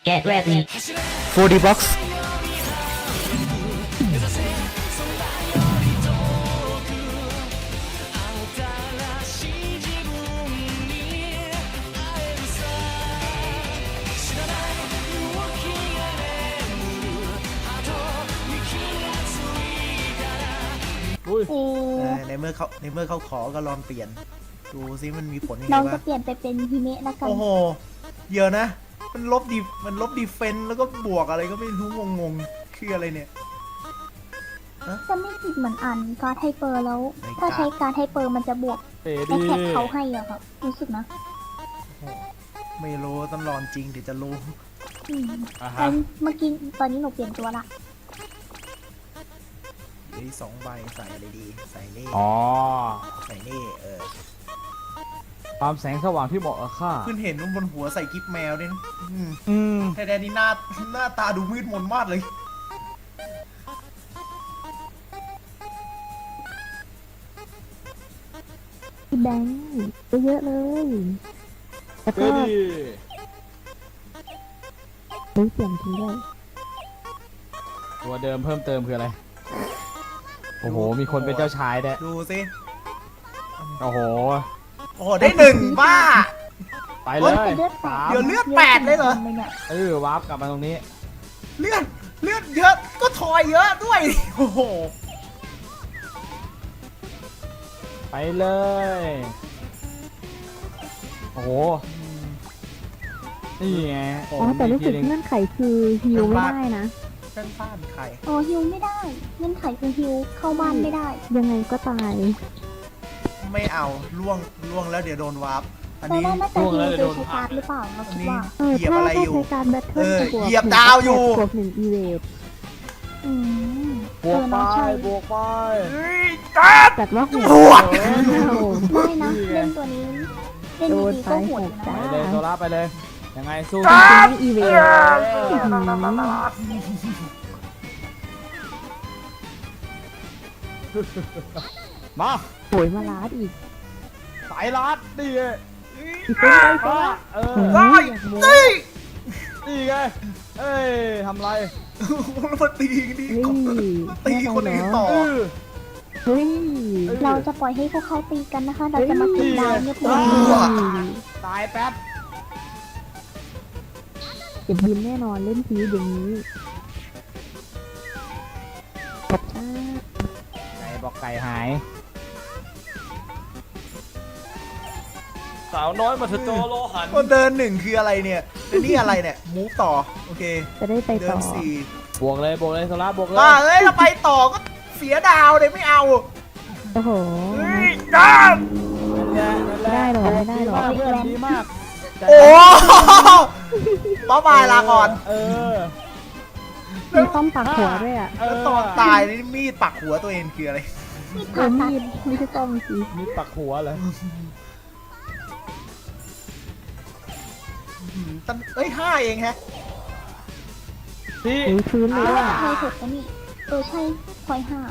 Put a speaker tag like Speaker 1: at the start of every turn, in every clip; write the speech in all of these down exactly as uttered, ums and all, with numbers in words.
Speaker 1: Get ready.
Speaker 2: โฟร์ ดี box
Speaker 3: อุ้ย
Speaker 4: เออ
Speaker 2: ในเมื่อเขาในเมื่อเขาขอก็ลองเปลี่ยน ดูซิมันมีผลยังไง
Speaker 4: น้อง
Speaker 2: บ้า
Speaker 4: จะ
Speaker 2: ง
Speaker 4: เปลี่ยนไปเป็นฮิเมะแล้วกัน
Speaker 2: โอ้โหเดี๋ยวนะ มันลบดีมันลบดีเฟนต์แล้วก็บวกอะไรก็ไม่รู้งงๆคืออะไรเนี่ย
Speaker 4: จะไม่ผิดเหมือนอันการ์ดไฮเปอร์แล้ว
Speaker 2: ใน
Speaker 4: ถ้า
Speaker 2: การ์ด
Speaker 4: ใช้การ์ดไฮเปอร์มันจะบวก
Speaker 3: เป๋
Speaker 4: ไอ
Speaker 3: ดี
Speaker 4: แท็กเขาให้อะครับรู้สึกนะ
Speaker 2: โอ้โหไม่รู้ต้องลองจริงถึงจะรู้
Speaker 4: อืม
Speaker 3: อ่า
Speaker 4: ตอ
Speaker 3: ฮะ
Speaker 4: นเมื่อกี้ตอนนี้หนูเปลี่ยนตัวละ
Speaker 2: เฮ้ยสองใบใส่อะไรดี ใส่นี่
Speaker 3: อ๋อ
Speaker 2: ใส่นี่เออ
Speaker 3: ความแสงสว่างที่เหมาะกับข้า
Speaker 2: เพิ่งเห็นว่าบนหัวใส่กิ๊บแมวด้วยนะอืม
Speaker 3: อืม
Speaker 2: แต่แดนนี่หน้าหน้าตาดูมืดมนมากเลย
Speaker 5: พี่แบงค์เยอะๆเลยแล้ว
Speaker 3: เป๋
Speaker 5: ก็
Speaker 3: ดี
Speaker 5: เฮ้ยเสียงทีด้วย
Speaker 3: ตัวเดิมเพิ่มเติมคืออะไร โอ้โห มีคนเป็นเจ้าชายด้วย
Speaker 2: ดูสิ
Speaker 3: โอ้โห
Speaker 2: โอ้โหได้หนึ่งบ้า
Speaker 3: ไปเลย
Speaker 4: แต่เลือดแป
Speaker 3: สา
Speaker 4: ด
Speaker 3: ม
Speaker 2: เดี๋ยวเลือดแปดเลยเหรอ
Speaker 4: ไม่เนี่ย
Speaker 3: เออวาร์ปกลับมาตรงนี้
Speaker 2: เลือดเลือดเยอะก็ทอยเยอะด้วย โอ้โห
Speaker 3: ไปเลย โอ้โห นี่ไง
Speaker 2: โอ้
Speaker 5: อ๋อแต่รู้สึก
Speaker 3: มีทีหนึ่ง
Speaker 5: เงื่อนไขคือฮิวไม่ได้นะ
Speaker 2: เพื่อนบ้านใคร
Speaker 4: โอ้ฮิวไม่ได้เงื่อนไขคือฮิวเข้าบ้านไม่ได้
Speaker 5: ยังไงก็ตาย
Speaker 2: ไม่เอาล่วงล่วงแล้วเดี๋ยวโดนวาร์ปอัน
Speaker 4: แต่
Speaker 2: นี้
Speaker 4: ว่าน่าจะฮิวโดยใช้การ์ดหรือเปล่าเรา
Speaker 2: อัน
Speaker 4: คิด
Speaker 2: นี้
Speaker 4: ว่า
Speaker 5: เออ
Speaker 2: เหยียบ
Speaker 5: ถ้า
Speaker 2: อะไร
Speaker 5: ถ้า
Speaker 2: อยู่
Speaker 5: ใช้การแบทเทิ
Speaker 2: เอ
Speaker 5: ล
Speaker 2: อ
Speaker 5: จะบวก
Speaker 2: เหยียบดาวอยู่
Speaker 5: บวกหนึ่งอีเวท
Speaker 4: อืม
Speaker 3: บวกไป
Speaker 4: เออเนอะใช่
Speaker 3: บวกไป
Speaker 2: เฮ้ยจัด
Speaker 5: จัดว่าโหด
Speaker 2: บวก
Speaker 5: อ้าว
Speaker 4: ได้นะเล่นตัวนี้เล่น
Speaker 5: โดน
Speaker 4: ดี
Speaker 5: ไป
Speaker 4: ก็โหดอยู่
Speaker 5: หก
Speaker 4: นะ
Speaker 5: จ้า
Speaker 3: ไปเลยโซล่าไปเลย ยังไงสู้
Speaker 5: จริงๆไม่อีเวทอื้อหือ
Speaker 3: มา
Speaker 5: โหยมาลาดอีก
Speaker 3: สายลัดนี่ไง
Speaker 5: อีกเป็นไปไป
Speaker 3: มา
Speaker 5: ละ
Speaker 3: เออ
Speaker 5: โอ้ยอยากโม้
Speaker 2: เฮ้ย
Speaker 3: นี่ไง เอ้ยทำไร
Speaker 2: แล้วมาตีกันดี
Speaker 5: นี่
Speaker 2: มาตีคนอื่นต่อ
Speaker 3: เออ
Speaker 5: เฮ้ย
Speaker 4: เราจะปล่อยให้พวกเขาตีกันนะคะ เราจะมาเก็บดาวเงียบ
Speaker 3: เฮ้
Speaker 4: ๆ
Speaker 3: ย
Speaker 2: ว้า
Speaker 3: ตายแป๊บ
Speaker 5: เก็บบินแน่นอนเล่นพีอย่างนี้จบจ้า
Speaker 3: ไก่บอกไก่หาย สาวน้อยมาเถอะโจโลหัน
Speaker 2: คนเดินหนึ่งคืออะไรเนี่ยแล้วนี่อะไรเนี่ยมูฟต่อ โอเค
Speaker 5: จะได้ไป
Speaker 2: เดิ
Speaker 5: ต่
Speaker 2: น
Speaker 5: อ
Speaker 2: สี่
Speaker 3: บวกเลยบวกเลยโซล่าบวกเลย
Speaker 2: บ้าเอ้ยเราไปต่อก็เสียดาวเลยไม่เอา
Speaker 5: โอ้โห
Speaker 2: เฮ้ยจ้า
Speaker 3: นั่นแหละนั่นแหละ
Speaker 5: ไม่ได้หรอกไม่ได้หรอก
Speaker 3: ดีมากเพื่อนดีมาก
Speaker 2: โอ้ป๊อบายลาก่อน
Speaker 3: เออ
Speaker 5: มีข้อมปักหัวด้วยอ่ะ
Speaker 3: เอ
Speaker 2: แล้ว
Speaker 3: อ
Speaker 2: ตอนตายนี่มีดปักหัวตัวเองคืออะไร
Speaker 4: นี่
Speaker 5: เอ
Speaker 4: ผ่า
Speaker 5: อ
Speaker 4: ตัด
Speaker 5: มีดไม่ใช่ต้อมสิ
Speaker 3: มีปักหัวเลย
Speaker 2: อืมตั้งเอ้ยห้าเองแฮะ
Speaker 3: พี่
Speaker 5: หรือพื้นเลยอ่ะ
Speaker 4: ใช่ถูกแล้วนี่เออใช่พอยห้า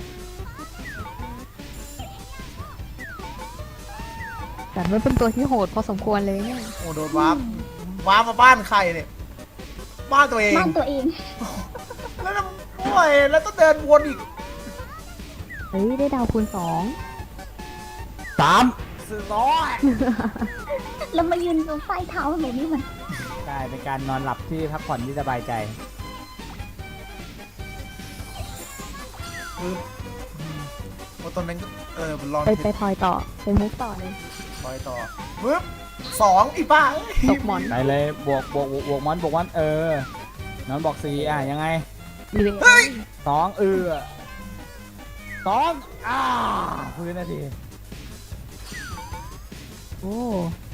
Speaker 5: แต่ว่าเป็นตัวที่โหดพอสมควรเลยเนี่ย
Speaker 2: โอ้โดนวาร์ปวาร์ปมาบ้านใครเนี่ย บ้านตัวเอง
Speaker 4: บ้านตัวเอง
Speaker 2: แล้วต้องโอ้ยแล้วต้องเดินวนอีก
Speaker 5: เฮ้ยได้ดาวคูณสอง
Speaker 3: สามสี่ร้อย
Speaker 4: แล้วมายืนตรงใต้เท้าหนูนี่มัน
Speaker 3: กลายเป็นการนอนหลับที่พักผ่อนที่สบายใจ
Speaker 2: ปึ๊บอืมโอ้ตอนนั้นก็เออลอง
Speaker 5: ไปไปทอยต่อไปมุกต่อเลย
Speaker 2: คอยต่อปึ๊บสองอีบ้าเอ้ย
Speaker 5: ตกหมอน
Speaker 3: ไปเลยบวกบวกบวกบวกมอนบวกมอนเออ นอนบอกสี่อ่ะยังไง
Speaker 5: อีเวนต์
Speaker 3: สองเออสองอ่าพื้นนาที
Speaker 5: โอ้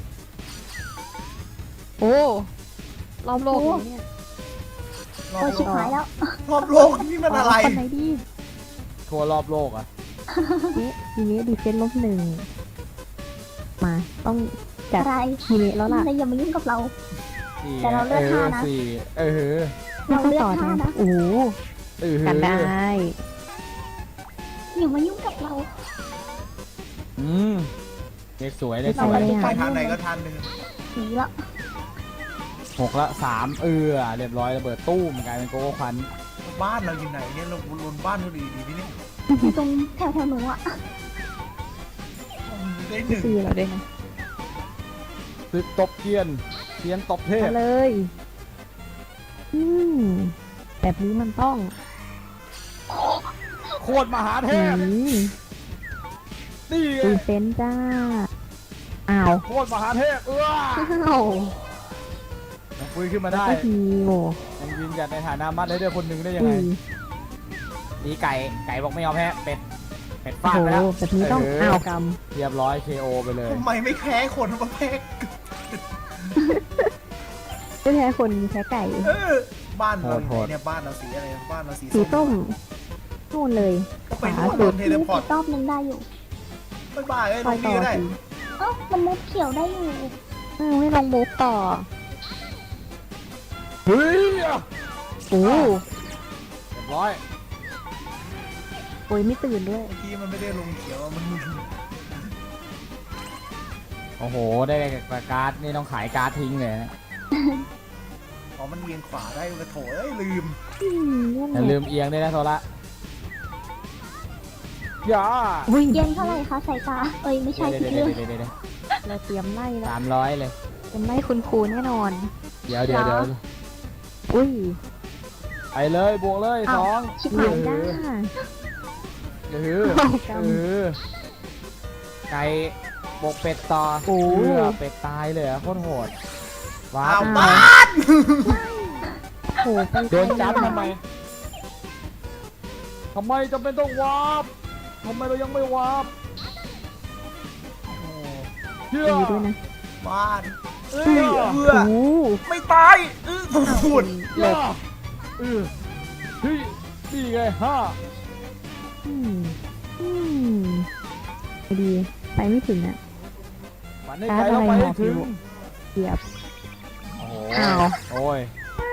Speaker 5: โอ้รอบโลกเลยเนี่ย
Speaker 2: รอ
Speaker 4: โอ้
Speaker 2: บ
Speaker 4: ชิบหายแล้ว
Speaker 2: รอบโลกนี่มันอะไร
Speaker 5: คนไหนดี
Speaker 3: ทั่วรอบโลกอ่ะ
Speaker 5: นี่ทีนี้ดีเฟนต์ลบหนึ่งมาต้องจัด
Speaker 4: อะไร
Speaker 5: ทีนี้แล้วล่ะ
Speaker 4: แต่อย่ามายุ่งกับเรา
Speaker 3: สี่
Speaker 4: แต่เราเลือก
Speaker 3: เอ
Speaker 4: ห้า
Speaker 3: อ
Speaker 4: นะ
Speaker 3: สี่เออ
Speaker 4: เราเลือก
Speaker 5: ต่อ
Speaker 4: ห้านะ
Speaker 5: โอ้โห
Speaker 3: เออ
Speaker 5: กันได้
Speaker 4: อย่ามายุ่งกับเรา
Speaker 3: อืมเลขสวยเลขส
Speaker 4: เรา
Speaker 3: วย
Speaker 4: ไป
Speaker 2: ไปทางไหนก็ทางหนึ่ง
Speaker 4: สีละ
Speaker 3: หกละสามเออเรียบร้อยระเบิดตู้มกลายเป็นโกโก้ควัน
Speaker 2: บ้านเราอยู่ไหนเนี่ยเราลนบ้านเราดีดีนี่เนี่ย
Speaker 4: อยู่ตรงแถวแถวๆหนูอะ
Speaker 2: ได้หนึ่ง
Speaker 5: ตีเราด้วยนะ
Speaker 3: ตึกตบเกียนเกียนตบเทพ
Speaker 5: มาเลย อืมแบบนี้มันต้อง
Speaker 3: โคตรมหาเท
Speaker 5: อื
Speaker 3: พ
Speaker 5: ม
Speaker 3: นี่ไง
Speaker 5: ดีเฟนต์จ้า อ้าว
Speaker 3: โคตรมหาเทพเออ
Speaker 5: อ้าว
Speaker 3: ยังฟื้นขึ้นมา
Speaker 5: แล้ว
Speaker 3: ได้
Speaker 5: ก็ฮิว
Speaker 3: ยังยืนหยัดในฐานะมัดได้ด้วยคนหนึ่งได้ยัง
Speaker 5: อุ้
Speaker 3: ไง
Speaker 5: ย
Speaker 3: นี่ไก่ไก่บอกไม่ยอมแพ้เป็ดเป็ด
Speaker 5: โอ้
Speaker 3: ฟาด
Speaker 5: โห
Speaker 3: ไปแล้ว
Speaker 5: แบบนี้ต้อง
Speaker 3: เ
Speaker 5: อ้าวก
Speaker 3: เรียบร้อย เค โอ ไปเลย
Speaker 2: ทำไมไม่แพ้คนมาแพ้
Speaker 5: ำไม่แพ้คนแพ้ไก่
Speaker 2: เออบ้านเรา
Speaker 3: โหดๆ
Speaker 2: เนี่ยบ้านเราสีอะไรบ้านเราสี
Speaker 5: สีต้มนู่นเลย
Speaker 2: ก็ไป
Speaker 5: ขวา
Speaker 2: นู่น
Speaker 5: สุ
Speaker 2: โด
Speaker 5: ด
Speaker 2: นเท
Speaker 4: มี
Speaker 2: เลพอร์ต
Speaker 4: อีกรอบนึงได้อยู่
Speaker 2: บ๊ายบายไอ้ย
Speaker 5: ค
Speaker 2: ล
Speaker 5: อย
Speaker 2: ง
Speaker 5: ต่
Speaker 2: นี่
Speaker 5: อ
Speaker 2: ก็ได้
Speaker 5: สิ
Speaker 4: เอ้ามันมุดเขียวได้อยู่
Speaker 5: เออไม่ลองมูฟต่อ
Speaker 3: เฮ้ย
Speaker 5: โอ้
Speaker 3: เรียบร้อย
Speaker 5: โอ้ยไม่ตื่นด้วย
Speaker 2: เมื่อกี้มันไม่ได้ลงเขียวมัน
Speaker 3: โอ้โห ได้การ์ดนี่ต้องขายการ์ดทิ้งเลยนะ
Speaker 2: อ๋อมันเอียงขวาได้กระโถเอ้ยลืม
Speaker 5: อืมนั่น
Speaker 3: อย่า
Speaker 5: แห
Speaker 3: ลื
Speaker 5: ละ
Speaker 3: มเอียงด้วยนะโซละอย่า
Speaker 5: อุ้ย
Speaker 4: เย็นเท่าไหร่คะสายตา เอ้ยไม่ใช่
Speaker 3: เดี๋ยว
Speaker 4: ผิด
Speaker 3: เดี๋ยว
Speaker 4: เรื่อง
Speaker 3: เดี๋ยวเดี๋ยวเดี๋ยว
Speaker 5: เราเตรียมไล่แล้ว
Speaker 3: สามร้อยเลย
Speaker 5: เตรียมไล่คุณครูแน่นอน
Speaker 3: เดี๋ยวเดี๋ยวเดี๋ยว
Speaker 5: อุ้ย
Speaker 3: ไปเลยบวกเลยสอง
Speaker 4: ชิบ
Speaker 5: เห
Speaker 4: หา
Speaker 5: นื่อย ยจ้า
Speaker 3: เออ
Speaker 5: เอาก
Speaker 3: เออไก่บวกเป็ดต่อ
Speaker 5: โอ้
Speaker 3: เออเป็ดตายเลยเหรอะโคตรโหดว้า
Speaker 2: อ้าว
Speaker 3: ว
Speaker 2: บ้าน
Speaker 5: ำโหไป
Speaker 3: โดนจับทำไมทำไมจำเป็นต้องวาร์ปทำไมเรายังไม่วาร์ป
Speaker 2: โอ้
Speaker 3: เชื่อ
Speaker 5: ตีด้วยนะ
Speaker 2: บ้านเอ้ย
Speaker 3: เชื่อ
Speaker 2: เอื้อ
Speaker 5: โอ้
Speaker 2: ไม่ตายเออพูด
Speaker 3: เชื่อเออเฮ้ยนี่ไงห้า
Speaker 5: อืมอืมไม่ดี ไปไม่ถึงอ่ะ
Speaker 3: ฝันให้ใครเราไปให้ถึง
Speaker 5: เกียบ
Speaker 3: โอ้โห
Speaker 5: อ้าว
Speaker 3: โอ้ย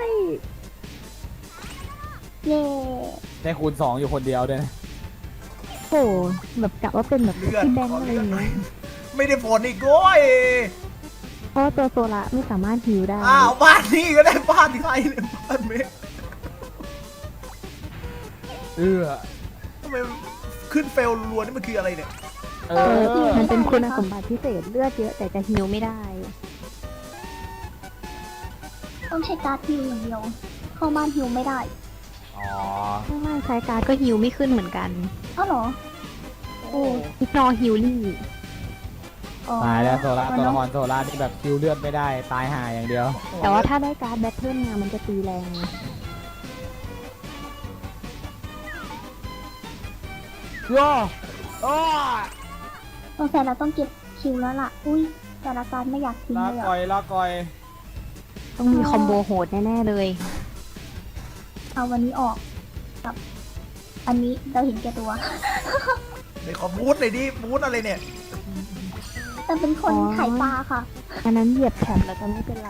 Speaker 4: เย่
Speaker 3: ได้คูณสองอยู่คนเดียวด้วยนะ
Speaker 5: โหแบบกะว่าเป็นแบบ
Speaker 2: เลือด
Speaker 5: พี่แบง
Speaker 2: ขอ
Speaker 5: ค์อะไร
Speaker 2: เลื
Speaker 5: อ
Speaker 2: อด
Speaker 5: ย่าง
Speaker 2: หน่อย
Speaker 5: เงี้ย
Speaker 2: ไม่ได้ผลอีกโว้ย
Speaker 5: เพราะว่าตัวโซละไม่สามารถฮิวได้
Speaker 2: อ้าวบ้านนี่ก็ได้บ้านใครเนี่ยบ้านเมฆ
Speaker 3: เออ
Speaker 2: ทำไมขึ้นเฟลรัวๆนี่มันคืออะไรเนี่ย
Speaker 3: เอ
Speaker 5: เออ
Speaker 3: อ
Speaker 5: มันเป็นคุณสมบัติพิเศษเลือดเยอะแต่จะฮิวไม่ได้
Speaker 4: ต้องใช้การ์ดฮิวอย่างเดียว เข้าบ้านฮิวไม่ได้
Speaker 3: อ๋อ
Speaker 5: ถ้าว่าใช้การ์ดก็ฮิวไม่ขึ้นเหมือนกัน
Speaker 4: เอ้าเหรอ
Speaker 5: โอ้อิกนอฮิวลี่
Speaker 4: อ๋อ
Speaker 3: ตายแล้วโซล่า
Speaker 4: มัน
Speaker 3: ตัว
Speaker 4: ต้
Speaker 3: ละ
Speaker 4: อง
Speaker 3: ครโซล่าที่แบบคิวเลือดไม่ได้ตายห่าอย่างเดียว
Speaker 5: แต่ว่าถ้าได้การ์ดแบทเทิลมามันจะตีแรง
Speaker 3: ย่ออ้อ
Speaker 4: สงสัยเราต้องเก็บคิวแล้วล่ะ อุ้ยแต่ละการไม่อยากทิ้ง
Speaker 3: ลา
Speaker 4: เลย
Speaker 3: ก่อ
Speaker 4: อะ
Speaker 3: ยลาก่อย
Speaker 5: ต้องมีคอมโบโหดแน่ๆเลย
Speaker 4: เอาวันนี้ออกกับ อันนี้เราเห็นแก่ตัว
Speaker 2: ในขอบูธเลยดิบูธอะไรเนี่ย
Speaker 4: แต่เป็นคน
Speaker 5: อ๋อ
Speaker 4: ขายปลาค่ะ
Speaker 5: อันนั้นเหยียบแถบแล้วจะไม่เป็นไร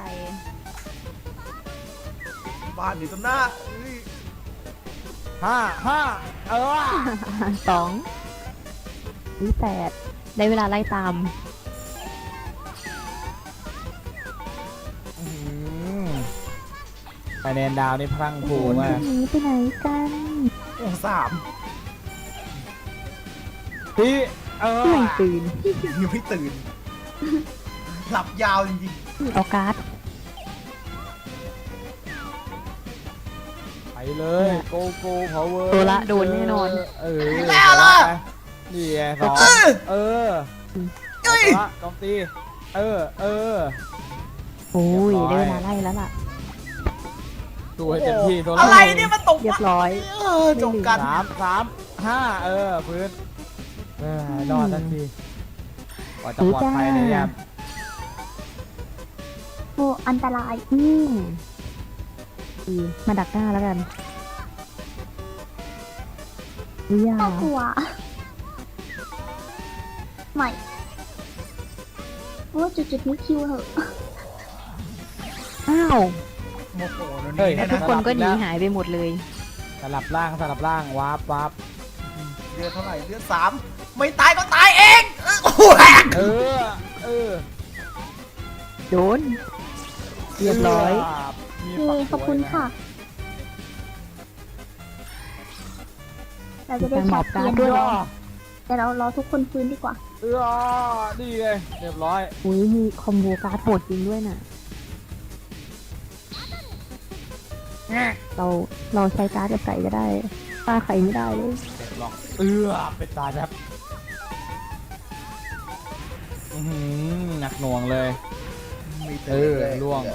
Speaker 2: บ้านอยู่ตรงหน้าเอ้ย
Speaker 3: ห้าห้าเออ
Speaker 5: สองนี่แปดได้เวลาไล่ตาม
Speaker 3: อืมคะแนนดาวนี่พรั่งพรูมาก
Speaker 5: หนีไปไหนกัน
Speaker 2: โอ้สาม
Speaker 3: พี่เออ
Speaker 5: ไม่ตื่น
Speaker 2: ยังไม่ตื่น หลับยาวจริง
Speaker 5: เอาการ์ด
Speaker 3: ไปเลยโกโก้พาวเวอร์
Speaker 5: โซละโดนแน่นอน
Speaker 3: เออ
Speaker 2: ๆแล้วล่ะ
Speaker 3: นี่ไงสอง
Speaker 2: เออ
Speaker 3: เออ
Speaker 2: เอ้ย
Speaker 3: โซละกองตีเออเออ
Speaker 5: โอ้ย
Speaker 3: เรี
Speaker 5: ได้
Speaker 3: ยบร้อย
Speaker 5: เวลาไล่แล้วล่ะ
Speaker 3: ดูให้เต็มที่โซละ
Speaker 2: อะไรเนี่ยมันตก
Speaker 5: เรียบร้อย
Speaker 2: เออจบกัน
Speaker 3: สามสามห้าเออพื้นเออรอดทันทีกว่าจะปลอดภัยเลยเนี่ย
Speaker 4: โอ้อันตราย
Speaker 5: อืมดีมาดักหน้าแล้วกันวิยา
Speaker 4: น่ากลัว ใหม่โอ้จุดจุดๆนี้คิวเหอะ
Speaker 5: อ้าว
Speaker 2: โมโหแล้ว
Speaker 3: เฮ้ย
Speaker 2: นี่
Speaker 5: แล้ว
Speaker 2: เนี่ย
Speaker 5: ทุก
Speaker 2: นะ
Speaker 5: คนก็หนีหายไปหมดเลย
Speaker 3: สลับล่างสลับล่างวาร์ปวาร์ป
Speaker 2: เลือดเท่าไหร่เลือดสามไม่ตายก็ตายเองเออโอ้โหแหก
Speaker 3: เออเออ
Speaker 5: โดน
Speaker 2: ส
Speaker 5: เรียบร้อย
Speaker 3: มี
Speaker 4: เย้
Speaker 3: ฝัก
Speaker 4: ขอบคุณ
Speaker 3: สวยน
Speaker 4: ค่ะ เราจะได้
Speaker 5: มีการหม
Speaker 4: ชั
Speaker 5: อ
Speaker 4: ด
Speaker 5: บ
Speaker 4: เจ
Speaker 5: การ์ด
Speaker 4: น
Speaker 5: ด้วย
Speaker 4: รอแต่เรารอทุกคนฟื้นดีกว่า
Speaker 3: เออนี่ไงเรียบร้อย
Speaker 5: อุ้ยมีคอมโบการ์ดโหดจริงด้วยน่ะ เราเราใช้การ์ดกับใครก็ได้ป้าใครไม่ได้เลย
Speaker 3: เรียบร้อยเออเป็นตายแบบอื้อหือหนักหน่วงเลย
Speaker 2: มีแต่
Speaker 3: เออ
Speaker 2: แรกๆ
Speaker 3: ล่วง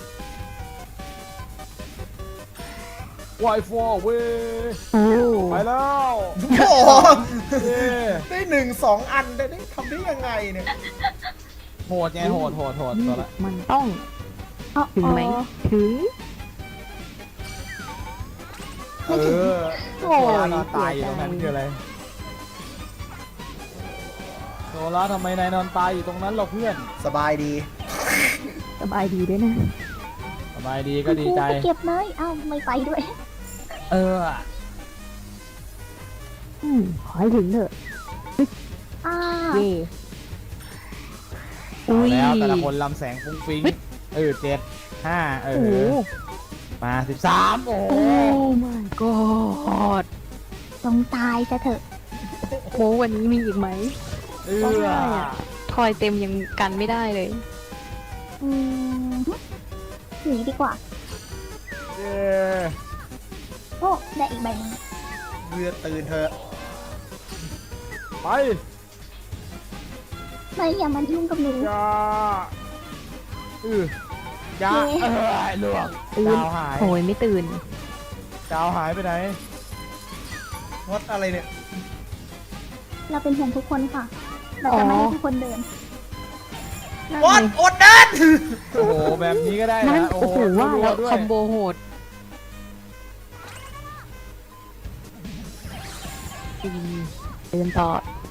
Speaker 3: ไวฟอร์เวย
Speaker 5: โอ้
Speaker 3: ไปแล้ว
Speaker 2: โอ้โห
Speaker 3: เย้
Speaker 2: ได้หนึ่งสองอันได้ได้ทำได้ยังไงเนี่ย
Speaker 3: โหดไงโหดโหดโหด
Speaker 5: นี่
Speaker 3: ตัวละ
Speaker 5: มันต้อง
Speaker 4: อ๋อ
Speaker 5: ถึงไหม
Speaker 4: อ๋อ
Speaker 5: ถึง
Speaker 3: เออ
Speaker 5: โอ้ย
Speaker 3: โซล่านอนตายอยู่ตรงนั้นคืออะไรโซล่าทำไมนายนอนตายอยู่ตรงนั้นเราเพื่อน
Speaker 2: สบายดี
Speaker 5: สบายดีด้วยนะ
Speaker 3: สบายดีก็ดี
Speaker 4: ครู
Speaker 3: ใจ
Speaker 4: ไปเก็บเลยเอ้าไม่ไปด้วย
Speaker 3: เออ
Speaker 5: อืมขอให้ถึงเถอะ
Speaker 4: อ่า
Speaker 5: เย่
Speaker 3: เอาแล้วแต่ละคนลำแสงฟุ้งฟิ้งเออเจ็ดห้าเอ
Speaker 5: โอ้โห
Speaker 3: อมาสิบสามโอ้โห
Speaker 5: โอ้ my god
Speaker 4: จงตายซะเถอะ
Speaker 5: โหวันนี้มีอีกไหม
Speaker 3: เอ
Speaker 5: ก็
Speaker 3: อ
Speaker 5: ได้อะ ทอยเต็มยังกันไม่ได้เลย
Speaker 4: อืมหนีดีกว่า
Speaker 3: เย้
Speaker 4: โอ้ได้อีกใบหนึง
Speaker 2: เรือตื่นเถอะ
Speaker 3: ไป
Speaker 4: ไม่อย่ามายุ่งกับหนู
Speaker 3: ยาเออยา
Speaker 4: เย้
Speaker 3: เออหลวง
Speaker 5: ตื่น
Speaker 3: ดาวหาย
Speaker 5: โอ้ยไม่ตื่น
Speaker 3: ดาวหายไปไหน
Speaker 2: วัดอะไรเนี่ย
Speaker 4: เราเป็นห่วงทุกคนค่ะ เราจะไม่ให้ทุกคนเดิน
Speaker 2: วัดอดเดิน
Speaker 3: โอ้โหแบบนี้ก็ได้
Speaker 5: นั่น
Speaker 3: นะ
Speaker 5: โอ้โหว่า
Speaker 3: รั
Speaker 5: แล้ว
Speaker 3: ๆด้วย
Speaker 5: คอมโบโหดอืมเดินต่อ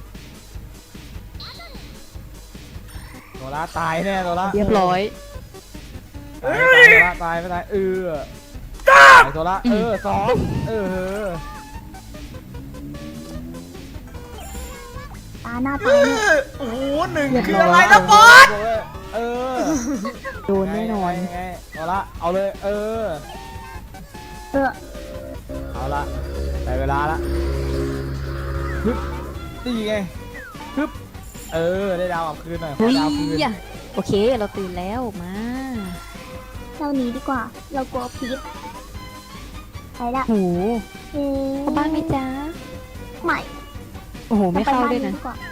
Speaker 3: โซล่าตายแน่โซล่า
Speaker 5: เรียบร้อย
Speaker 3: ตายตายโซล่าตายไม่ตายเออตายโซล่าเออสองเออ
Speaker 4: ตาหน้าตายเนี่ย
Speaker 2: โอ้โหหนึ่ง
Speaker 5: เรียบร้อย
Speaker 2: คืออะไรนะบอส
Speaker 3: เออ
Speaker 5: โดนแน่นอน
Speaker 3: ไงไงเอาละเอาเลยเออ
Speaker 4: เออ
Speaker 3: เอาละได้เวลาละฮึบนี่ไงฮึบเออได้ดาวกลับคืนหน่อยขอ
Speaker 5: เฮ้ย
Speaker 3: ดาวคืน
Speaker 5: โอเค เราตื่นแล้วมา
Speaker 4: เราหนีดีกว่า เรากลัวพิษไปละ
Speaker 5: โห
Speaker 4: เอ๊ะ
Speaker 5: เข้าบ้านไหมจ๊ะ
Speaker 4: ไม่
Speaker 5: โอ้โห ไม่เข้า
Speaker 4: รปบ้
Speaker 5: ด้วยนะ
Speaker 4: ดีกว่า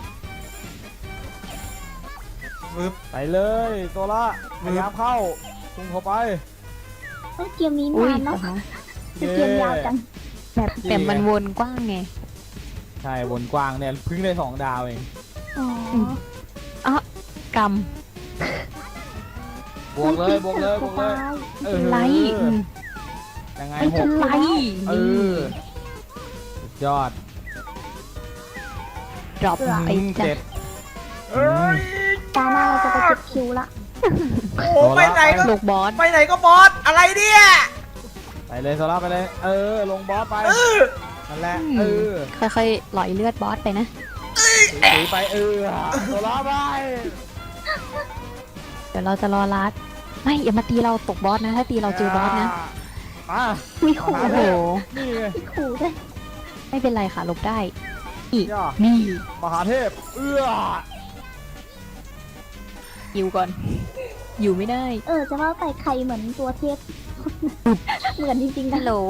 Speaker 2: ปึ๊บ
Speaker 3: ไปเลยโซล่าพยายามเข้าพุ่งเข้าไป
Speaker 4: เอ้ยเกมนี้
Speaker 5: อุ้ย
Speaker 4: นานเนาะ
Speaker 5: เหรอคะ
Speaker 4: คือเกมยาวจัง
Speaker 5: แบบแต่มันวนกว้างไง
Speaker 3: ใช่วนกว้างเนี่ยเพิ่งได้สองดาวเอง
Speaker 4: อ๋อ
Speaker 5: อ่ะกรรม
Speaker 3: บวกเลยบวกเลยบวกเลย เออ
Speaker 5: ไลท์อืม
Speaker 3: ยังไง
Speaker 5: ไม่
Speaker 3: ห
Speaker 5: เป็น
Speaker 3: ก
Speaker 5: ไร
Speaker 3: เออสุดยอด
Speaker 5: ดรอปไป
Speaker 3: อืม
Speaker 5: จ้ะ
Speaker 3: เจ็ด
Speaker 2: เอ้ย
Speaker 4: ตาหน้าเราจะไปเก็บคิวละ
Speaker 2: โอ้โหไปไหนก็
Speaker 5: ลูกบอส
Speaker 2: ไปไหนก็บอส อะไรเนี่ย
Speaker 3: ไปเลยโซล่าไปเลย เออ ลงบอสไป
Speaker 2: เออ
Speaker 3: นั่นแหละ
Speaker 5: อืม
Speaker 3: เออ
Speaker 5: ค่อยๆหลอยเลือดบอสไปนะ
Speaker 3: ถือไปเออโซล่าไป
Speaker 5: เดี๋ยวเราจะรอลัดไม่อย่ามาตีเราตกบอสนะ ถ้าตีเราเจอบอสนะ
Speaker 3: มา
Speaker 4: มีขู่
Speaker 3: มา
Speaker 5: โอ้
Speaker 4: ด้
Speaker 5: โห
Speaker 4: วย
Speaker 3: นี่ไง
Speaker 4: มีขู่ด้วย
Speaker 5: ไม่เป็นไรค่ะหลบได้อีก
Speaker 3: ย่า
Speaker 5: นี่
Speaker 3: มหาเทพ เอื้อ
Speaker 5: อยู่ก่อน อยู่ไม่ได้
Speaker 4: เออ จะว่าไปใครเหมือนตัวเทพ เหมือนจริงๆ
Speaker 5: ฮั
Speaker 4: นะ
Speaker 5: ลโหล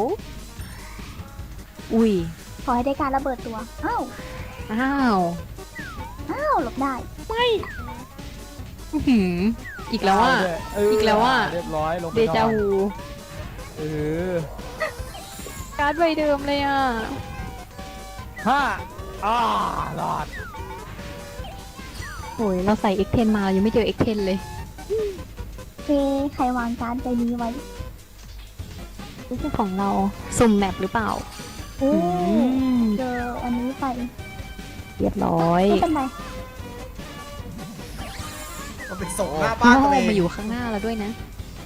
Speaker 5: อุ้ย
Speaker 4: ขอให้ได้การระเบิดตัว อ้าว
Speaker 5: อ้าว
Speaker 4: อ้าวหลบได้
Speaker 5: อื้อหืออีกแล้วอ่ะ
Speaker 3: เ
Speaker 5: อีกแล้วอะ
Speaker 3: เรียบร้อยลงไป
Speaker 5: เดจาน
Speaker 3: อน
Speaker 5: วู
Speaker 3: เออ
Speaker 5: การ์ดใบเดิมเลยอ่ะ
Speaker 3: ห้าอ่ารอด
Speaker 5: โอ้ยเราใส่ เอ็กซ์ เท็น มาเรายังไม่เจอ เอ็กซ์ เท็น เลย
Speaker 4: เฟใครวางการดใจนี้ไว้
Speaker 5: ไม่ใช่ของเรา สุ่มแมปหรือเปล่า
Speaker 4: โอ้
Speaker 5: อืม
Speaker 4: เจออันนี้ไป
Speaker 5: เรียบร้อย
Speaker 4: ไม่เป็นไร
Speaker 2: ก็เป็นส่งหน้าบ้านตัวเอง
Speaker 5: มาอยู่ข้างหน้าเราด้วยนะ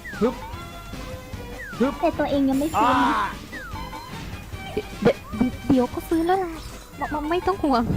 Speaker 4: แต่ตัวเองยังไม่
Speaker 3: อ่า
Speaker 4: ฟื้น
Speaker 5: เดี๋ยวเดี๋ยวก็ฟื้นแล้วล่ะบอกว่าไม่ต้องห่วง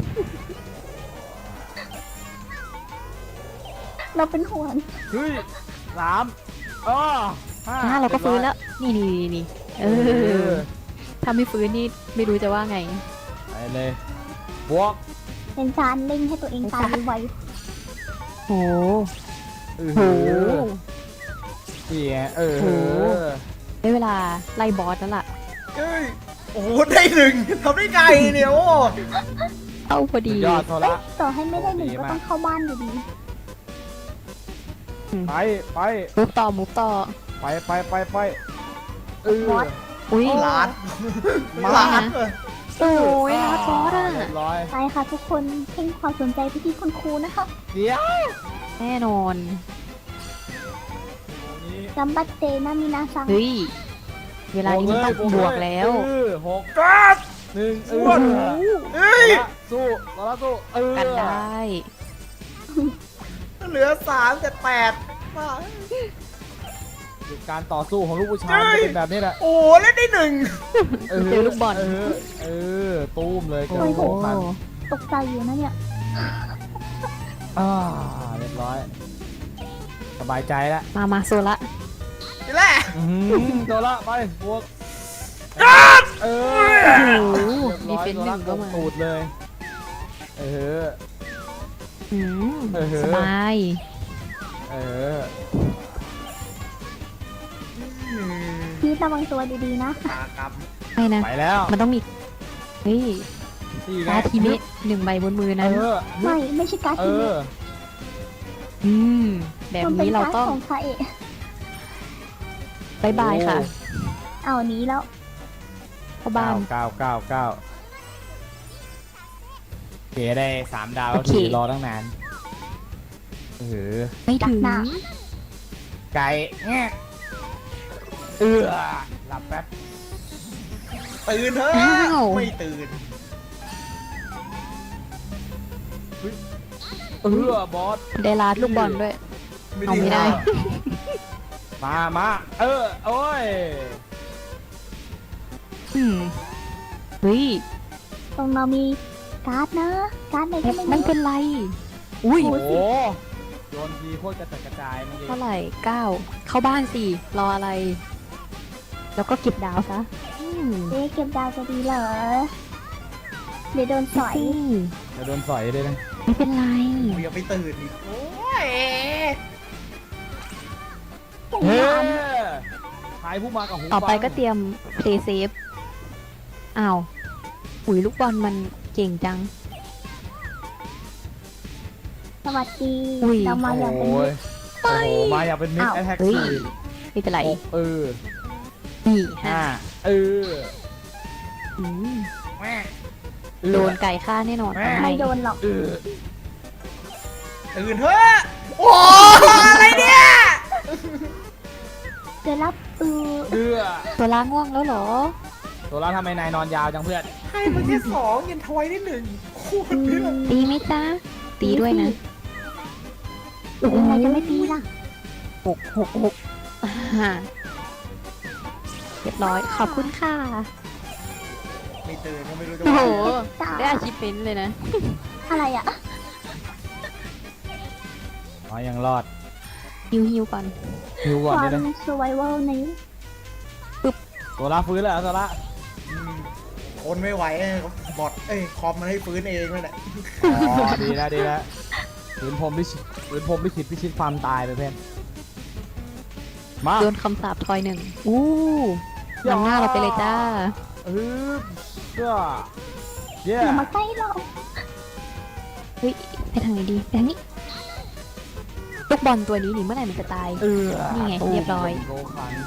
Speaker 4: เราเป็นห่วง
Speaker 3: เฮ้ยสามอ๋อห้า
Speaker 5: อ่าเราก็ฟื้นแล้ว นี่นี่นี่นี่เอ
Speaker 3: เอ
Speaker 5: อ
Speaker 3: อ
Speaker 5: ถ้าไม่ฟื้นนี่ไม่รู้จะว่าไง
Speaker 3: ไปเลยบวก
Speaker 4: เป็นจานเล่งให้ตัวเองตายไว
Speaker 5: โห
Speaker 3: เออ
Speaker 5: โห
Speaker 3: นี่ไงเออ
Speaker 5: โห ได้เวลาไล่บอสแล้วล่ะ
Speaker 2: เอ้ยโอ้โหได้หนึ่งทำได้ไงเนี่ยโอ้
Speaker 5: เข้าพอ
Speaker 3: สุ
Speaker 5: ดี
Speaker 3: ดยอดโท
Speaker 4: ๆเอ๊ะ
Speaker 3: ระ
Speaker 4: ต่อให้ไม่ได้หนึ่ง
Speaker 3: ดี
Speaker 4: ก็
Speaker 3: มาก
Speaker 4: ต้องเข้าบ้านอยู่ดี
Speaker 3: ไปไป
Speaker 5: มุฟต่อมุฟต่อ
Speaker 3: ไปไปไปไปเออ
Speaker 4: What?
Speaker 5: อุ้ย
Speaker 2: ลาด
Speaker 3: มา
Speaker 2: ลาด
Speaker 5: โอ้ยลาบอสอ่ะ
Speaker 3: เรียบร้อย
Speaker 4: ไปค่ะทุกคนเพ่งความสนใจไปที่คุณครูนะคะ
Speaker 3: เดี๋ยว
Speaker 5: แน่นอน
Speaker 3: นี่
Speaker 4: กัมบัตเตนะมินาซัง
Speaker 5: เฮ้ย เวลานี้มันต้องบวกแล้ว
Speaker 3: เออหก
Speaker 2: กัด
Speaker 3: หนึ่งเอ
Speaker 2: อ้วน
Speaker 3: อ
Speaker 2: เฮ้ย
Speaker 3: สู้ต่อละสู้เออ
Speaker 5: กันได้
Speaker 2: เหลือสามแต่แปดมา
Speaker 3: การต่อสู้ของลูกผู้ชายมันจะเป็นแบบนี้แหละ
Speaker 2: โอ้เล่นได้หนึ่ง
Speaker 5: เจอลูกบอล
Speaker 3: เออเออตูมเลย
Speaker 5: โอ้
Speaker 3: เกิด
Speaker 5: โห
Speaker 3: พัน
Speaker 4: ตกใจอยู่นะเนี่ย
Speaker 3: อ่าเรียบร้อย สบายใจแล้ว
Speaker 5: มามาโซละ
Speaker 2: นี่แหละ
Speaker 3: อื้อหือตัวละไปบวกเออ
Speaker 5: โอ้โห
Speaker 3: เรียบร้อย
Speaker 5: มีเป็นหนึ่งก็มา
Speaker 3: ตูดเลย เออ
Speaker 5: อืม
Speaker 3: เออ
Speaker 5: สบาย
Speaker 3: เออ
Speaker 4: พีทระวังตัวดีๆนะ
Speaker 2: ตากรรม
Speaker 5: ไม่นะ
Speaker 3: ไปแล้ว
Speaker 5: มันต้องมี เฮ้ย
Speaker 3: นี่ไง
Speaker 5: การ์ดทีเมะหนึ่งใบบนมือ
Speaker 3: เอ
Speaker 5: นั้น
Speaker 3: อ
Speaker 4: ไม่ไม่ใช่การ์ด
Speaker 3: เอ
Speaker 4: ทีเม
Speaker 3: อ
Speaker 4: ท
Speaker 5: อืม แบบ
Speaker 4: มันเป็น
Speaker 5: นี้เรา
Speaker 4: การ์ด
Speaker 5: ต้อง
Speaker 4: ของคาเอะ
Speaker 5: บายบายค่ะ
Speaker 4: เอาหนี้แล้ว
Speaker 5: เข้าบ้าน
Speaker 3: เก้าเก้าเก้าเก๋ได้สามดาว
Speaker 5: โอเค
Speaker 3: ถือรอตั้งนานเออ
Speaker 5: ไม่ถึง
Speaker 3: ไก่แงะเออหลับแป๊บ
Speaker 2: ตื่นเถอะ
Speaker 5: อ้าว
Speaker 2: ไม่ตื่น
Speaker 3: เออบอส
Speaker 5: ได้ลาดลูกบอลด้วย เอาไม่ได้
Speaker 3: มามาเออ โอ้ย
Speaker 5: อืมเฮ้ย
Speaker 4: ตรงเรามีการ์ดนะ การ์ดไหนก็
Speaker 5: ไม่
Speaker 4: ไม่
Speaker 5: ไม่
Speaker 4: รู้
Speaker 5: เป็นไร อุ้ย
Speaker 3: โอ้โหโยนทีโคตรกระจัดกระจายเมื่อกี้
Speaker 5: เท่าไหร่เก้าเข้าบ้านสิรออะไร แล้วก็เก็บดาวซะอืม
Speaker 4: เอ๊ะเก็บดาวจะดีเหรอ เดี๋ยวโดนสอย
Speaker 5: สิ
Speaker 3: จะโดนสอยด้วยนะ
Speaker 5: ไม่เป็นไร
Speaker 2: เดี๋ยวไปตื่นอีกโอ้ย
Speaker 3: เฮ้ทายผู้มากับหู
Speaker 5: ต่อไป
Speaker 3: ฟัง
Speaker 5: ก็เตรียม play safe อ้าวอุ๋ยลูกบอลมันเก่งจัง
Speaker 4: สวัสดี
Speaker 5: อุ้ย
Speaker 4: เรามาอย่างเป็น
Speaker 3: โอ้
Speaker 4: มิ
Speaker 3: ย
Speaker 4: ตร
Speaker 3: โอ้โหมาอยากเป็นมิด
Speaker 4: อ้าว
Speaker 3: แอทแท็ก
Speaker 5: เฮ้ย
Speaker 3: สี่
Speaker 5: ไม่เป็นไร
Speaker 3: เออ
Speaker 5: นี่
Speaker 3: ห้า
Speaker 5: ฮะ
Speaker 3: เออ
Speaker 5: อืม
Speaker 3: แม่
Speaker 5: โดนไก่ฆ่าแน่นอน
Speaker 3: แม่
Speaker 4: ไม่โดนหรอก
Speaker 3: เออ
Speaker 2: ตื่นเถอะโอ้อะไรเนี่ย
Speaker 4: เดี๋ยวรับเออ
Speaker 3: เดือ
Speaker 5: ตัวล้างง่วงแล้วเหรอ
Speaker 3: ตัวเราทำไมนายนอนยาวจังเพื่อน
Speaker 2: ให้มันแค่สองยันทวายได้หนึ่งโคตรเยอะ
Speaker 5: ตีไหมจ๊ะ ตีด้วยนะ
Speaker 4: ยังไงจะไม่ตีล่ะ
Speaker 5: หกหกหกอ่าเรียบร้อย ขอบคุณค่ะ
Speaker 2: ไม่ตื่นก็ไม่รู้จะ
Speaker 5: โอ้
Speaker 2: ว่า
Speaker 5: โห
Speaker 4: จ้า
Speaker 5: ได้อาชีพเป็นเลยนะ
Speaker 4: อะไรอ่ะ
Speaker 3: อ๋อยังรอด
Speaker 5: ฮิวฮิวก่อน
Speaker 3: หิว
Speaker 4: ค
Speaker 3: ก่อน
Speaker 4: วา
Speaker 3: ดิ
Speaker 4: ม
Speaker 3: นะ
Speaker 4: survival นี้
Speaker 3: ตัวละฟื้นแล้วตัวละ
Speaker 2: อืมทนไม่ไหวบอทเอ้ยคอมมันให้ฟื้นเองนั่นแหละ
Speaker 3: อ๋อดีแล้วดีแล้วฝืนพรหมพิชิตฝืนพรหมพิชิตพิชิตความตายไปเพื่อนมา
Speaker 5: โดนคำสาปทอยหนึ่งอู้นำหน้าเราไปเลยจ้า
Speaker 3: ฮึบเชื่อเย้
Speaker 4: อย่ามาใกล้เรา
Speaker 5: เฮ้ย ไปทางไหนดีไปทางนี้ ลูกบอลตัวนี้นี่เมื่อไหร่มันจะตาย
Speaker 3: เออ
Speaker 5: นี่ไงเรียบร้อย
Speaker 3: โกคัน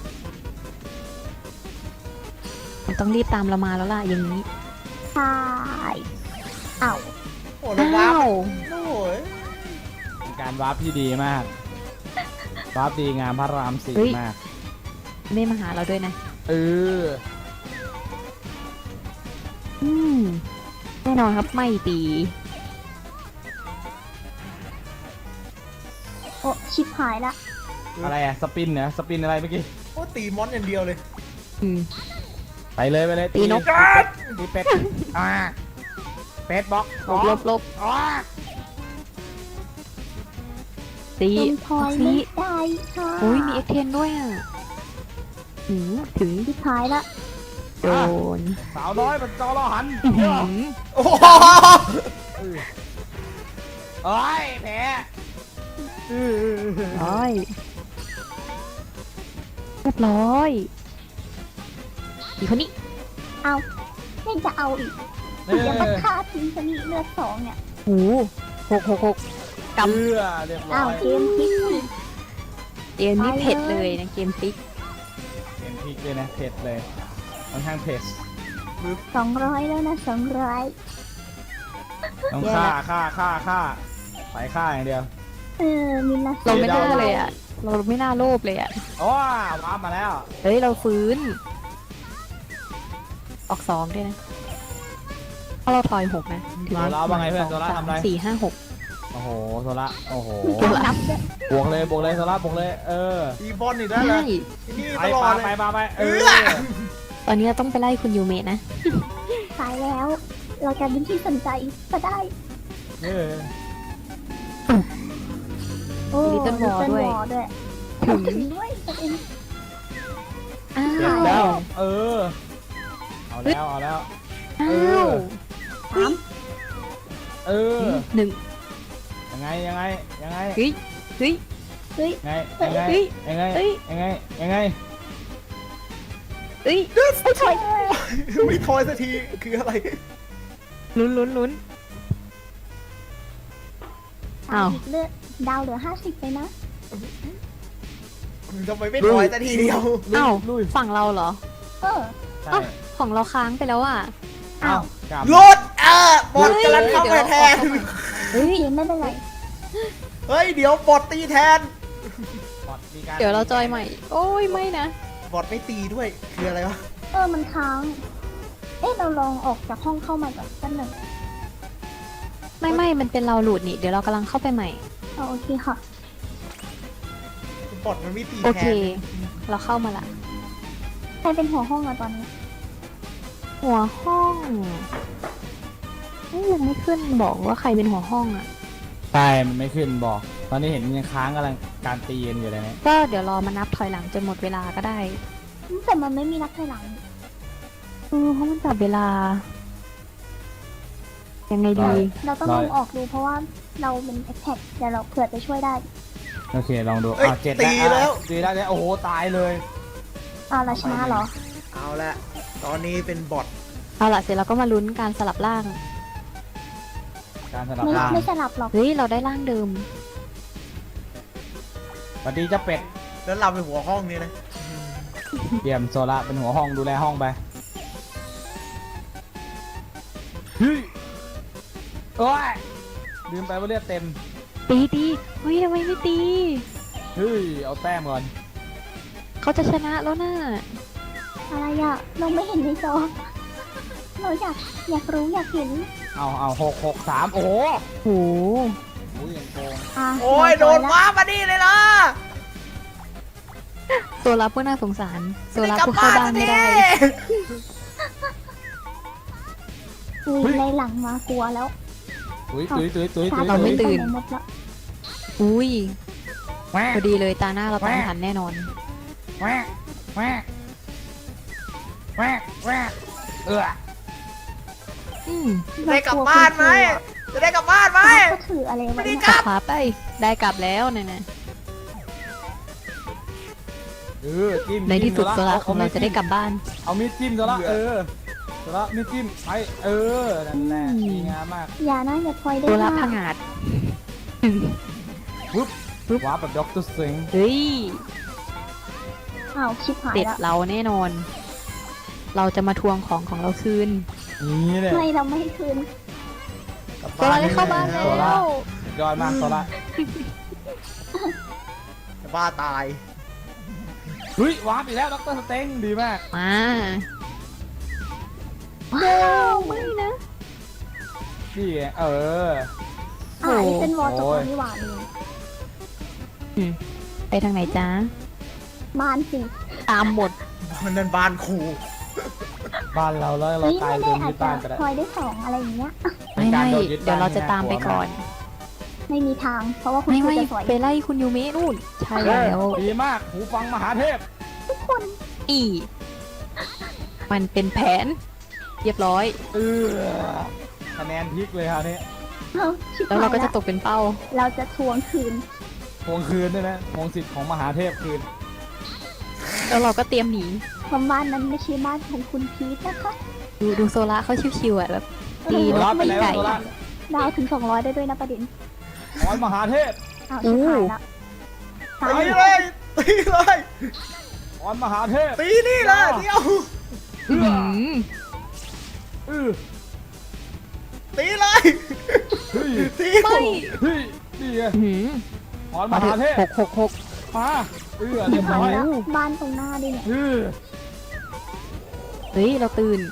Speaker 5: มันต้องรีบตามเรามาแล้วล่ะอย่างนี้
Speaker 4: ใช่อ้าว
Speaker 2: โอ้แล้วว้า
Speaker 5: อ้าว ว
Speaker 2: โอ้ย
Speaker 3: เป็นการวาร์ปที่ดีมากวาร์ปดีงามพระรามสี่มาก
Speaker 5: ไม่มาหาเราด้วยนะ
Speaker 3: เออ
Speaker 5: อืม แน่นอนครับไม่ตี
Speaker 4: โอ้ชิบหายละ
Speaker 3: อะไรอะสปินเหรอสปินอะไรเมื่อกี้
Speaker 2: โอ้ตีมอนอย่างเดียวเลย
Speaker 5: อืม
Speaker 3: ไปเลยไปเลย
Speaker 5: ตีนก
Speaker 3: ตีเป็ดอ่าเป็ดบล็อก
Speaker 5: ลบลบลบ
Speaker 3: อ๋อ
Speaker 5: ซี
Speaker 4: เป็นพลอย
Speaker 5: ซี
Speaker 4: ไม่ได้ค่ะ
Speaker 5: โอ้ยมีเอ็กเทนด้วยอ่ะหืมถึง
Speaker 4: สุดท้ายละ
Speaker 5: โดน
Speaker 3: สาวน้อยมันจอรอหัน
Speaker 5: อื้อหือ
Speaker 2: โอ้โห
Speaker 3: เอ้ยแพ้
Speaker 5: ร้อยเรียบร้อยอีกคนนี้
Speaker 4: เอาไม่จะเอาอีก
Speaker 3: เอ
Speaker 4: อย่ามา
Speaker 3: อ
Speaker 4: ฆ่าทิ้งชนิดเลือดสองเนี่ย
Speaker 5: โอ้หกหกหกกำ
Speaker 3: เชื่อเรียบร้
Speaker 4: อ้า
Speaker 3: อ
Speaker 4: วย เกมพลิกอีก
Speaker 5: เกมนี้เผ็ดเลยนะเกมฟิก
Speaker 3: เกมพลิกเลยนะเผ็ดเลยค่อนข้างเผ็ด
Speaker 4: สองร้อยแล้วนะสองร้อย
Speaker 3: ต้องฆ่าฆ่าฆ่าฆ่าไปฆ่าอย่างเดียว
Speaker 4: เออมินละ
Speaker 5: เราไม่น่าเลยอ่ะ เราไม่น่าโลภเลยอ่ะ
Speaker 3: โอ้ว้ามาแล้ว
Speaker 5: เฮ้ย เราฟื้น ออกสองด้วยนะเพราะเราถอยหกนะถือ
Speaker 3: โซล่าว่าไงเพื่อนโซล่า
Speaker 5: สาม
Speaker 3: ทำอะไร
Speaker 5: สี่ห้าหก
Speaker 3: โอ้โหโซล่าโอ้โห
Speaker 5: เดี๋ยวละ
Speaker 4: นับด้วย
Speaker 3: บวกเลยบวกเลยโซล่าบวกเลยเออ
Speaker 2: ตีบอลอีกแล้วเหร
Speaker 5: ใช่
Speaker 2: อที่นี่
Speaker 3: ไป
Speaker 2: ตลอ
Speaker 3: ปา
Speaker 2: ดเล
Speaker 3: ไป
Speaker 2: ย
Speaker 3: ปาไปเอ
Speaker 2: เอ
Speaker 3: อ
Speaker 2: อ
Speaker 5: ตอนนี้เราต้องไปไล่คุณยูเมะนะ
Speaker 4: ตายแล้ว เราจะเป็นที่สนใจก็ได้
Speaker 3: เออ
Speaker 4: โอ้
Speaker 5: Little War ด้วย
Speaker 4: Little War ด้วย
Speaker 5: ถึง
Speaker 4: ถึงด้วยตัวเอง
Speaker 5: อ้า
Speaker 3: เจ็บ
Speaker 5: ว
Speaker 3: แล้ว เออ เอาแล้วเอาแล้ว
Speaker 5: อ้า
Speaker 3: เอ
Speaker 5: ว
Speaker 3: อ
Speaker 4: สาม
Speaker 3: เออ
Speaker 5: หนึ่ง
Speaker 3: ยังไงยังไงยังไง
Speaker 5: เฮ้ยเฮ้ย
Speaker 4: เฮ้ย
Speaker 3: ยังไงยังไง
Speaker 5: เฮ้ย
Speaker 3: ยังไง
Speaker 5: เฮ้ย
Speaker 3: ยังไงยังไง
Speaker 5: เฮ้ย
Speaker 4: ไม่ถอย
Speaker 2: ไม่ทอยสักทีคืออะไร
Speaker 5: ลุ้นลุ้นลุ้น อ้าว
Speaker 4: อีกเลือดดาวเหลือห้าสิบไปนะ
Speaker 2: ทำไมไม่ทอยสักทีเดียว
Speaker 5: อ้าว
Speaker 3: ลุย
Speaker 5: ฝั่งเราเหรอ
Speaker 4: เออ
Speaker 3: ใช่
Speaker 5: อ้าว ของเราค้างไปแล้วอ่ะ
Speaker 4: อ้าว
Speaker 3: กลับ
Speaker 2: รถเออบอลกำลังเข้าไปแทน
Speaker 5: เฮ้ย
Speaker 4: เกมไม่เป็นไร
Speaker 2: เฮ้ยเดี๋ยวบอดตีแทน
Speaker 3: บอทมีก
Speaker 5: เดี๋ยวเราจอยใหม่ โอ้ยไม่นะ
Speaker 2: บอดไม่ตีด้วยคืออะไรวะ
Speaker 4: เออมันค้าง เอ๊ะเราลองออกจากห้องเข้ามาก่อนสักหนึ่ง
Speaker 5: ไม่ไม่มันเป็นเราหลุดนี่ เดี๋ยวเรากำลังเข้าไปใหม่
Speaker 4: เอาโอเคค่ะ
Speaker 2: บอดมันไม่ตี
Speaker 5: โอ
Speaker 2: แท
Speaker 5: เค
Speaker 2: น
Speaker 5: เราเข้ามาละ
Speaker 4: ใครเป็นหัวห้องอะตอนนี้
Speaker 5: หัวห้องเอ้ยยังไม่ขึ้นบอกว่าใครเป็นหัวห้องอ่ะ
Speaker 3: ใช่มันไม่ขึ้นบอก ตอนนี้เห็นยังค้างกำลังการตีกันอยู่เลยนะ
Speaker 5: ก็เดี๋ยวรอมานับถอยหลังจนหมดเวลาก็ได้
Speaker 4: แต่มันไม่มีนักถอยหลัง
Speaker 5: เออเพราะมันจับเวลา ยังไงดี
Speaker 4: เราต้องลองออกดูเพราะว่าเราเป็นแอคแท็กเดี๋ยวเราเผื่อจะช่วยได้
Speaker 3: โอเคลองดู
Speaker 2: เอ้ย
Speaker 3: อ่ะเจ็ด
Speaker 2: ตีแล้ว
Speaker 3: อ่ะตีแล้วเนี่ยโอ้โหตายเลย
Speaker 4: อ่าเราชนะเหรอ
Speaker 2: เอาละตอนนี้เป็นบอด
Speaker 5: เอาล่ะเสร็จเราก็มาลุ้นการสลับร่าง
Speaker 3: การสลับ
Speaker 4: ไม่
Speaker 3: ร่าง
Speaker 4: ไม่สลับหรอก
Speaker 5: เฮ้ย เราได้ร่างเดิม
Speaker 3: สวัสดีเจ้าเป็ด
Speaker 2: แล้วเราเป็นหัวห้องนี่นะ
Speaker 3: เดี่ยมโซล่าเป็นหัวห้องดูแลห้องไปเฮ้ยโอ้ยลืมไปว่าเลือดเต็ม
Speaker 5: ตีตีเฮ้ยทำไมไม่ตี
Speaker 3: เฮ้ยเอาแต้มก่อน
Speaker 5: เขาจะชนะแล้วน่ะ
Speaker 4: อะไรอะเราไม่เห็นในจอ เราอยากอยากรู้อยากเห็น
Speaker 3: เอาเอาหกหกสามโอ้โห
Speaker 5: โห
Speaker 3: อุ้ยอย่างโกง
Speaker 4: อ่ะ
Speaker 2: โอ้ยโดน
Speaker 4: เรา
Speaker 2: ว้ามานี่เลยล่ะ
Speaker 5: โซลาผู้น่าสงสาร โซลาผู้เข้าบ้านไม่ได้
Speaker 4: อุ้ยในหลังมากลัวแล้ว
Speaker 3: ตุ้ยตุ้ยตุ้ยตุ้ย
Speaker 4: ชา
Speaker 3: ตุ้ย
Speaker 5: เราไม่
Speaker 3: ตุ้ย
Speaker 5: ตื่น
Speaker 4: ปหมดแล้ว
Speaker 5: อุ้ย
Speaker 3: แหวะ
Speaker 5: พอดีเลยตาหน้าเราตามทันแน่นอน
Speaker 3: แหวะแหวะแหวะแหวะเออ
Speaker 5: อืม
Speaker 2: จะได้กลับบ้านไหมจะได้กลับบ้านไหม
Speaker 4: เราก็ถืออะไรไว้
Speaker 2: ไม่ได้
Speaker 4: เนี่ย
Speaker 2: กลับ
Speaker 5: ขวาไป ได้กลับแล้วเนี่ยนะ
Speaker 3: เออจิ้ม
Speaker 5: ในที่สุด
Speaker 3: จิ้ม
Speaker 5: โซลา
Speaker 3: อ
Speaker 5: ของเราจะได้กลับบ้าน
Speaker 3: เอามีดจิ้มโซล่าเออโซล่ามีดจิ้มไปเออนั่นแหละ
Speaker 5: อืม
Speaker 3: ดีงามมาก
Speaker 4: อย่านะอย่าพลอยได้
Speaker 5: โซลาพั
Speaker 4: มาง ก
Speaker 5: อาด
Speaker 3: ปุ๊บปุ๊บว้าแบบด็อกเตอร์สิง
Speaker 5: เฮ้ย
Speaker 4: อ้าวชิบหาย
Speaker 5: เด็ด
Speaker 4: แล้ว
Speaker 5: เราแน่นอน เราจะมาทวงของของเราคืน
Speaker 3: นี่เลย
Speaker 4: ไม่เราไม่ให้คืน
Speaker 2: กลับ
Speaker 5: โซลาได้เข้าบ้านแล้
Speaker 3: โซล่า
Speaker 5: ว
Speaker 3: สุดยอดมากโซล่า
Speaker 2: จะบ้าตาย
Speaker 3: เฮ้ยว้าร์ปอีกแล้วด็อกเตอร์สเต็งดีมาก
Speaker 5: มาว้าวไม่นะ
Speaker 3: นี่ไงเออ
Speaker 4: อ่านี่เป็นวอลจบ
Speaker 3: โอ้ย
Speaker 4: แล้วนี่หว่าลืม
Speaker 5: อืมไปทางไหนจ้า
Speaker 4: มานสิ
Speaker 5: ตามหมด
Speaker 2: มันนั่นบ้านครู
Speaker 3: บ้านเราแล้วเรา
Speaker 4: เฮ้ย
Speaker 3: ตาย
Speaker 4: ไม่
Speaker 3: โด
Speaker 4: ได้
Speaker 3: น
Speaker 4: อา
Speaker 3: ยึ
Speaker 4: จ
Speaker 3: ด
Speaker 4: จะ
Speaker 3: บ้านไปแล้ว
Speaker 4: พลอยได้สองอะไรอย่างเงี้ย
Speaker 5: ไม่ไม่เดี๋ยวเราจะตามไปก่อน
Speaker 4: ไม่มีทาง เพราะว่าคุณ
Speaker 5: ไม่
Speaker 4: ครู
Speaker 5: ไม่
Speaker 4: จะสวย
Speaker 5: ไปไล่คุณยูเมะนู่น ใช่
Speaker 3: เอ
Speaker 5: แล้ว
Speaker 3: อดีมากหูฟังมหาเทพ
Speaker 4: ทุกคน
Speaker 5: อีมันเป็นแผน เรียบร้อย
Speaker 3: เออคะแนนพลิกเลยคราวนี้
Speaker 4: เอาชิบ
Speaker 5: แล้ว
Speaker 4: หาย
Speaker 5: เราก็จะ
Speaker 4: ละ
Speaker 5: ตกเป็นเป้า
Speaker 4: เราจะทวงคืน
Speaker 3: ทวงคืนด้วยนะทวงสิทธิ์ของมหาเทพคืน
Speaker 5: แล้วเราก็เตรียมหนี
Speaker 4: เพราะบ้านนั้นไม่ใช่บ้านของคุณพีทนะคะ
Speaker 5: ดูดูโซล่าเขาชิวๆอ่ะแบบตี
Speaker 3: โซ
Speaker 5: น
Speaker 3: ล่าก ไป
Speaker 5: ตี
Speaker 3: แล้ว
Speaker 5: ไก่
Speaker 3: โซล่า
Speaker 4: ดาวถึงสองร้อยได้ด้วยนะประเด็น
Speaker 3: ขอให้มหาเทพ
Speaker 4: อ้าวชิบหายละตาย
Speaker 2: ตี
Speaker 4: แล้ว
Speaker 2: เลยตีเลย
Speaker 3: ขอให้มหาเทพ
Speaker 2: ตีนี่เลยเดียว
Speaker 3: เอื้อ
Speaker 5: หืม
Speaker 3: เออ
Speaker 2: ตีเลย
Speaker 3: เฮ้ย
Speaker 2: ตี
Speaker 5: ไม่
Speaker 3: เฮ้ยนี่ไง
Speaker 5: หืม
Speaker 3: ขอให้ม
Speaker 5: มาเถ
Speaker 3: หา
Speaker 5: อะ
Speaker 3: เทพ
Speaker 5: หกหกหก
Speaker 3: มาเอื้อ
Speaker 4: ชิ
Speaker 3: เรีย
Speaker 4: บบ หา
Speaker 3: ร้อย ย
Speaker 4: แล้วบ้านตรงหน้าดิเนี่ย
Speaker 3: เออ
Speaker 5: เฮ้ย เราตื่น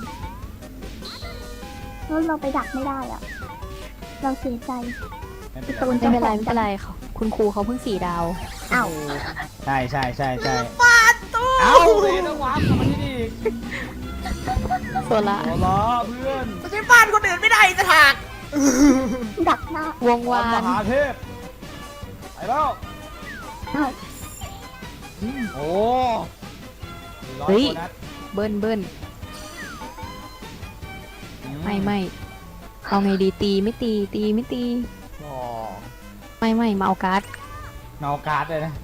Speaker 4: แล้วเราไปดักไม่ได้อะเราเสียใจ
Speaker 3: ไม่เป็น
Speaker 4: ตู
Speaker 3: ไร
Speaker 4: น
Speaker 5: ไม่เป็นไรไม่เป็นไรเขาคุณครูเขาเพิ่งสี่ดาว
Speaker 4: อ้าว
Speaker 3: ใช่ใช่ใช่ใช่
Speaker 2: ปาดตู้
Speaker 3: เอ้าตีต้องวาร์ปกลับมาที่นี่อีก
Speaker 5: โซล่า
Speaker 3: โอ้ล้อเพื่อน
Speaker 2: ไม่ใช่บ้านคนอื่นไม่ได้จะถาก
Speaker 4: ดักหน้าว
Speaker 5: ง
Speaker 3: ขอ
Speaker 5: วา
Speaker 3: ให้
Speaker 5: น
Speaker 3: มหาเทพไปแล้ว
Speaker 4: อ้าว
Speaker 3: โอ้ร้อย
Speaker 5: เฮ้ย
Speaker 3: โบนัส
Speaker 5: เบิ้ลเบิ้ล
Speaker 3: อื
Speaker 5: ไม่ไม่เอาไงดีตีไม่ตีตีไม่ตี
Speaker 3: อ๋อ
Speaker 5: ไม่ไม่มาเอาการ์ด
Speaker 3: เนาการ์ดเลยนะ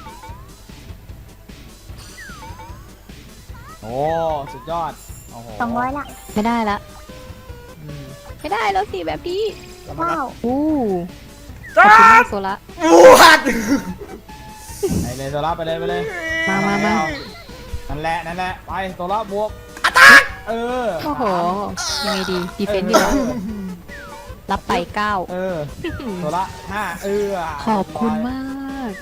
Speaker 3: โอ้ สุดยอด โอ้โห
Speaker 4: สองร้อยละ
Speaker 5: ไม่ได้ละ
Speaker 3: อืม
Speaker 5: ไม่ได้แล้วสิแบบนี้
Speaker 4: ว้าว
Speaker 5: อู้ข
Speaker 2: จ้า
Speaker 5: อบคุณมากโซล่า
Speaker 2: บวช
Speaker 3: ไปเลยโซล่าไปเลยไปเลย
Speaker 5: มามามา
Speaker 3: นั่นแหละ นั่นแหละ ไปโซล่าบวก เออ
Speaker 5: โอ้โหยังไงดีดีเฟนต์ดีกว่ารับไปเก้า
Speaker 3: เออโซล่าห้าเออ
Speaker 5: ขอบคุณมาก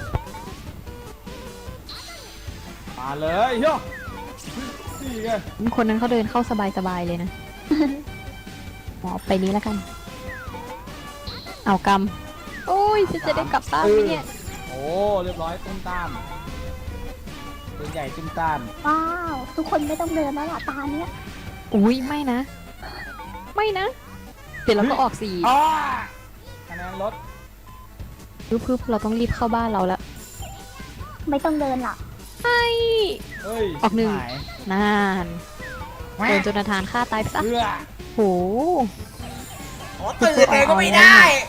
Speaker 3: มาเลยโย่นี่ไง
Speaker 5: คนนั้นเขาเดินเข้าสบายๆเลยนะ หมอไปนี้แล้วกัน เอากำโอ้ยจะจะได้กลับบ้านไหมเนี่ย
Speaker 3: โอ้ เรียบร้อยตุ้มตามตัวใหญ่ตุ้มตาม
Speaker 4: ว้าว ทุกคนไม่ต้องเดินแล้วล่ะตาเนี้ย
Speaker 5: อุ้ยไม่นะ ไม่นะ เดี๋ยวเราก็ออกสี่
Speaker 3: อ้าคะแนนลด
Speaker 5: พึบพึบเราต้องรีบเข้าบ้านเราแล้ว
Speaker 4: ไม่ต้องเดินล่ะ
Speaker 5: ไอ้
Speaker 3: เฮ้ย
Speaker 5: ออกหนึ่ง
Speaker 3: หาย
Speaker 5: นานโดนโจนาธานฆ่าตายไปซะ
Speaker 3: เอื้อ
Speaker 5: โห
Speaker 2: ขอตื่นเลยก็ไม่ได้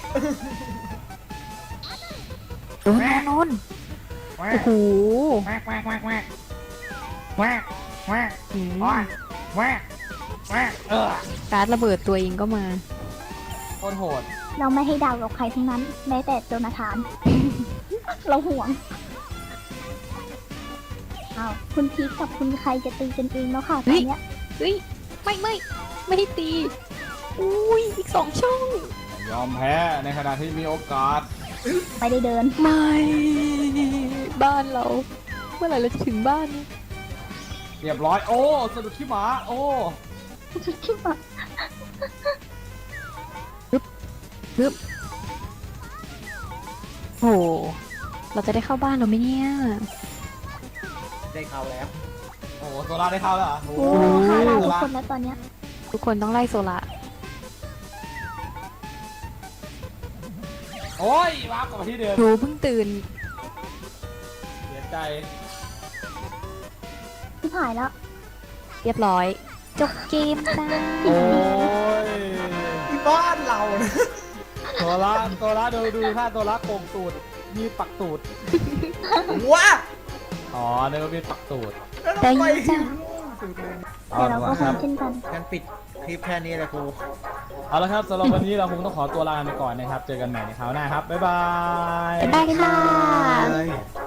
Speaker 5: โดนโดนโดน
Speaker 3: แว
Speaker 5: โอ้
Speaker 3: ก
Speaker 5: โห
Speaker 3: แวกแวกแวกแวกแวกแวก
Speaker 5: หืม
Speaker 3: แวกแวกแวกเออ
Speaker 5: การ์ดระเบิดตัวเองก็มา
Speaker 3: โคตรโหด
Speaker 4: เราไม่ให้ดาวกับใครทั้งนั้น แม้แต่โจนาธาน เราห่วงอ้าวคุณพีคกับคุณใครจะตีกันเองแล้วค่ะต
Speaker 5: เฮ้
Speaker 4: อน
Speaker 5: ย
Speaker 4: เนี้ย
Speaker 5: เฮ้ย ไม่ไม่ไม่ให้ตี อุ้ยอีกสองช่อง
Speaker 3: ยอมแพ้ในขณะที่มีโอกาส
Speaker 4: ไม่ได้เดิน
Speaker 5: ไม่ บ้านเรา เมื่อไหร่เราจะถึงบ้านเนี่ย
Speaker 3: เรียบร้อย โอ้สะดุดขี้หมา โอ้
Speaker 4: คิดว่า
Speaker 5: ฮึบโห เราจะได้เข้าบ้านเราไหมเนี่ย
Speaker 2: ได้ข่าวแล้ว
Speaker 3: โอ้โหโซล่าได้เข้าแล้วเหรอ
Speaker 4: โอ้ฆ่าเราทุกคนแล้วตอนเนี้ย
Speaker 5: ทุกคนต้องไล่โซล่า
Speaker 3: โอ้ยวาร์ปกลับมาที่เดิม
Speaker 5: หนูเพิ่งตื่น
Speaker 3: เสียใจ
Speaker 4: ที่หายแล้ว
Speaker 5: เรียบร้อย จบเกมจ้า
Speaker 3: โอ้ย
Speaker 2: ที่บ้านเรานะ
Speaker 3: โซล่าโซล่าดูดูท่าโซล่าโกงตูด มีปักตูด
Speaker 2: ว้า
Speaker 3: อ๋อเนื้อมีปักตูด
Speaker 2: แล้วเรา
Speaker 5: ได้
Speaker 2: ไป
Speaker 5: ยินจ้ะ
Speaker 2: สุดเลย
Speaker 4: แต่เราก็คงเช่นกัน
Speaker 2: งั้นปิดคลิปแค่นี้แหละครู
Speaker 3: เอาละครับสำหรับวันนี้เราคงต้องขอตัวลาไปก่อนนะครับ เจอกันใหม่ในคราวหน้าครับ บ๊ายบาย
Speaker 5: บ๊ายบายค่ะ
Speaker 2: Bye.